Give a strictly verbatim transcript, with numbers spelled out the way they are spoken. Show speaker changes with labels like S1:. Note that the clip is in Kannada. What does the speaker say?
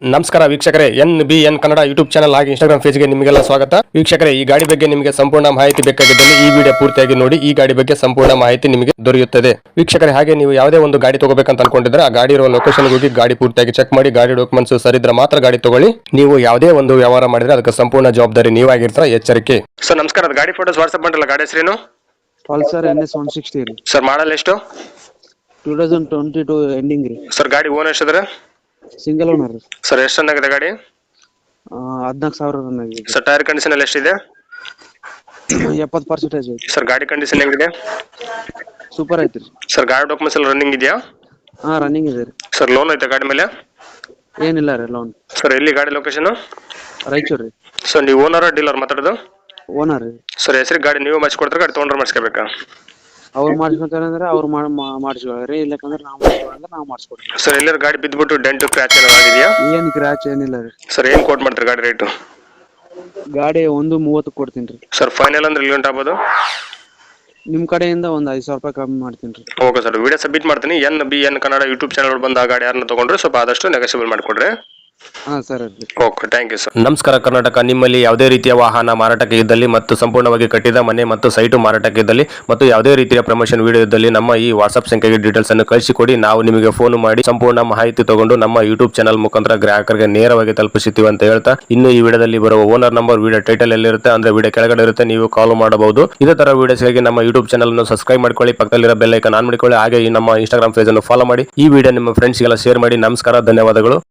S1: ನಮಸ್ಕಾರ ವೀಕ್ಷಕರೇ, N B N Kannada YouTube channel ಹಾಗೆ ಇನ್ಸ್ಟಾಗ್ರಾಮ್ ಪೇಜ್ಗೆ ನಿಮಗೆಲ್ಲ ಸ್ವಾಗತ. ವೀಕ್ಷಕರೇ, ಈ ಗಾಡಿ ಬಗ್ಗೆ ನಿಮಗೆ ಸಂಪೂರ್ಣ ಮಾಹಿತಿ ಬೇಕಾಗಿದ್ದಲ್ಲಿ ಈ ವಿಡಿಯೋ ಪೂರ್ತಿಯಾಗಿ ನೋಡಿ. ಈ ಗಾಡಿ ಬಗ್ಗೆ ಸಂಪೂರ್ಣ ಮಾಹಿತಿ ನಿಮಗೆ ದೊರೆಯುತ್ತದೆ. ವೀಕ್ಷಕರೇ, ಹಾಗೆ ನೀವು ಯಾವುದೇ ಒಂದು ಗಾಡಿ ತಗೋಬೇಕಂತ ಅನ್ಕೊಂಡಿದ್ರೆ ಆ ಗಾಡಿ ಇರುವ ಲೊಕೇಶನ್ ಹೋಗಿ ಗಾಡಿ ಪೂರ್ತಿಯಾಗಿ ಚೆಕ್ ಮಾಡಿ, ಗಾಡಿ ಡಾಕ್ಯುಮೆಂಟ್ಸ್ ಸರಿದ್ರೆ ಮಾತ್ರ ಗಾಡಿ ತಗೊಳ್ಳಿ. ನೀವು ಯಾವುದೇ ಒಂದು ವ್ಯವಹಾರ ಮಾಡಿದ್ರೆ ಅದಕ್ಕೆ ಸಂಪೂರ್ಣ ಜವಾಬ್ದಾರಿ ನೀವಾಗಿರ್ತೀರ, ಎಚ್ಚರಿಕೆ. ಸರ್ ನಮಸ್ಕಾರ, ಗಾಡಿ ಫೋಟೋಸ್ ವಾಟ್ಸ್ಆಪ್ ಮಾಡಲ್ಲ. ಗಾಡಿ ಹೆಸರೇನು?
S2: Pulsar N S one sixty ರೀ.
S1: ಸರ್ ಮಾಡಲ್ ಎಷ್ಟು?
S2: Two thousand twenty two ending ರೀ.
S1: ಸರ್ ಗಾಡಿ ಓನ್ ಎಷ್ಟಿದ್ರೆ?
S2: ಸಿಂಗಲ್ ಓನರ್ ರೀ.
S1: ಸರ್ ಎಷ್ಟು ರನ್ ಆಗಿದೆ ಗಾಡಿ?
S2: ಹದಿನಾಲ್ಕು ಸಾವಿರ ರನ್ ಆಗಿದೆ.
S1: ಸರ್ ಟೈರ್ ಕಂಡೀಷನ್ ಎಲ್ಲ ಎಷ್ಟಿದೆ?
S2: ಎಪ್ಪತ್ತು ಪರ್ಸೆಂಟೇಜ್ ಐತಿ.
S1: ಸರ್ ಗಾಡಿ ಕಂಡೀಷನ್ ಹೆಂಗಿದೆ?
S2: ಸೂಪರ್ ಐತಿ ರೀ.
S1: ಸರ್ ಗಾಡಿ ಡಾಕ್ಯುಮೆಂಟ್ಸ್ ಎಲ್ಲ ರನ್ನಿಂಗ್ ಇದೆಯಾ?
S2: ಹಾ ರನ್ನಿಂಗ್ ಇದೆ ರೀ.
S1: ಸರ್ ಲೋನ್ ಐತೆ ಗಾಡಿ ಮೇಲೆ?
S2: ಏನಿಲ್ಲ ರೀ ಲೋನ್.
S1: ಸರ್ ಎಲ್ಲಿ ಗಾಡಿ ಲೊಕೇಶನ್?
S2: ರಾಯಚೂರು ರೀ.
S1: ಸರ್ ನೀವು ಓನರ್ ಡೀಲರ್ ಮಾತಾಡೋದು?
S2: ಓನರ್ ರೀ.
S1: ಸರ್ ಹೆಸರಿಗೆ ಗಾಡಿ ನೀವು ಮಾಡಿಸ್ಕೊಡ್ತಾರೆ, ಗಾಡಿ ತೊಗೊಂಡ್ರೆ ಮಾಡಿಸ್ಕೋಬೇಕಾ?
S2: ಅವ್ರು ಮಾಡಿಸ್ಕೊತಾರೆ ಅಂದ್ರೆ ಅವ್ರು ಮಾಡಿಸ್ಕೊಳ್ರಿ, ಇಲ್ಲಕಂದ್ರೆ ನಾವು ಮಾಡಿಸ್ಕೊಂಡ್ರೆ ನಾವು ಮಾಡಿಸ್ಕೊಡ್ತೀವಿ.
S1: ಸರ್ ಎಲ್ಲರೂ ಗಾಡಿ ಬಿದ್ದುಬಿಟ್ಟು ಡೆಂಟು ಕ್ರ್ಯಾಚ್ ಏನಾದ್ರು ಆಗಿದೆಯಾ?
S2: ಏನು ಕ್ರ್ಯಾಚ್ ಏನಿಲ್ಲ ರೀ.
S1: ಸರ್ ಏನು ಕೋಟ್ ಮಾಡ್ತಾರೆ ಗಾಡಿ ರೇಟು?
S2: ಗಾಡಿ ಒಂದು ಮೂವತ್ತು ಕೊಡ್ತೀನಿ ರೀ.
S1: ಸರ್ ಫೈನಲ್ ಅಂದ್ರೆ ಎಲ್ಲಿ ಆಗ್ಬೋದು?
S2: ನಿಮ್ಮ ಕಡೆಯಿಂದ ಒಂದು ಐದು ಸಾವಿರ ರೂಪಾಯಿ ಕಮ್ಮಿ ಮಾಡ್ತೀನಿ ರೀ.
S1: ಓಕೆ ಸರ್, ವಿಡಿಯೋ ಸಬ್ಮಿಟ್ ಮಾಡ್ತೀನಿ. N B N Kannada YouTube channel ಬಂದು ಆ ಗಾಡಿ ಯಾರನ್ನ ತೊಗೊಂಡ್ರೆ ಸ್ವಲ್ಪ ಆದಷ್ಟು ನೆಗೋಷಿಯಬಲ್ ಮಾಡಿಕೊಡ್ರಿ.
S2: ಹಾಂ sir.
S1: Okay, thank you sir. ನಮಸ್ಕಾರ ಕರ್ನಾಟಕ. ನಿಮ್ಮಲ್ಲಿ ಯಾವುದೇ ರೀತಿಯ ವಾಹನ ಮಾರಾಟಕ್ಕೆ ಇದ್ದಲ್ಲಿ ಮತ್ತು ಸಂಪೂರ್ಣವಾಗಿ ಕಟ್ಟಿದ ಮನೆ ಮತ್ತು ಸೈಟು ಮಾರಾಟಕ್ಕೆ ಇದ್ದಲ್ಲಿ ಮತ್ತು ಯಾವುದೇ ರೀತಿಯ ಪ್ರಮೋಷನ್ ವಿಡಿಯೋ ಇದ್ದಲ್ಲಿ ನಮ್ಮ ಈ ವಾಟ್ಸ್ಆಪ್ ಸಂಖ್ಯೆಗೆ ಡೀಟೇಲ್ಸ್ ಅನ್ನು ಕಳಿಸಿಕೊಡಿ. ನಾವು ನಿಮಗೆ ಫೋನ್ ಮಾಡಿ ಸಂಪೂರ್ಣ ಮಾಹಿತಿ ತಗೊಂಡು ನಮ್ಮ ಯೂಟ್ಯೂಬ್ ಚಾನಲ್ ಮುಖಾಂತರ ಗ್ರಾಹಕರಿಗೆ ನೇರವಾಗಿ ತಲುಪಿಸುತ್ತೀವಿ ಅಂತ ಹೇಳ್ತಾ, ಇನ್ನು ಈ ವಿಡಿಯೋದಲ್ಲಿ ಬರುವ ಓನರ್ ನಂಬರ್ ವಿಡಿಯೋ ಟೈಟಲ್ ಎಲ್ಲಿರುತ್ತೆ ಅಂದ್ರೆ ವಿಡಿಯೋ ಕೆಳಗಡೆ ಇರುತ್ತೆ, ನೀವು ಕಾಲ್ ಮಾಡಬಹುದು. ಇದೇ ತರ ವಿಡಿಯೋಸ್ಗಾಗಿ ನಮ್ಮ ಯೂಟ್ಯೂಬ್ ಚಾನಲ್ ಅನ್ನು ಸಬ್ಸ್ಕ್ರೈಬ್ ಮಾಡ್ಕೊಳ್ಳಿ, ಪಕ್ಕದಲ್ಲಿರೋ ಬೆಲ್ ಐಕಾನ್ ಆನ್ ಮಾಡಿಕೊಳ್ಳಿ. ಹಾಗೆ ಈ ನಮ್ಮ ಇನ್ಸ್ಟಾಗ್ರಾಮ್ ಪೇಜ್ ಅನ್ನು ಫಾಲೋ ಮಾಡಿ. ಈ ವಿಡಿಯೋ ನಿಮ್ಮ ಫ್ರೆಂಡ್ಸ್ಗೆಲ್ಲ ಶೇರ್ ಮಾಡಿ. ನಮಸ್ಕಾರ, ಧನ್ಯವಾದಗಳು.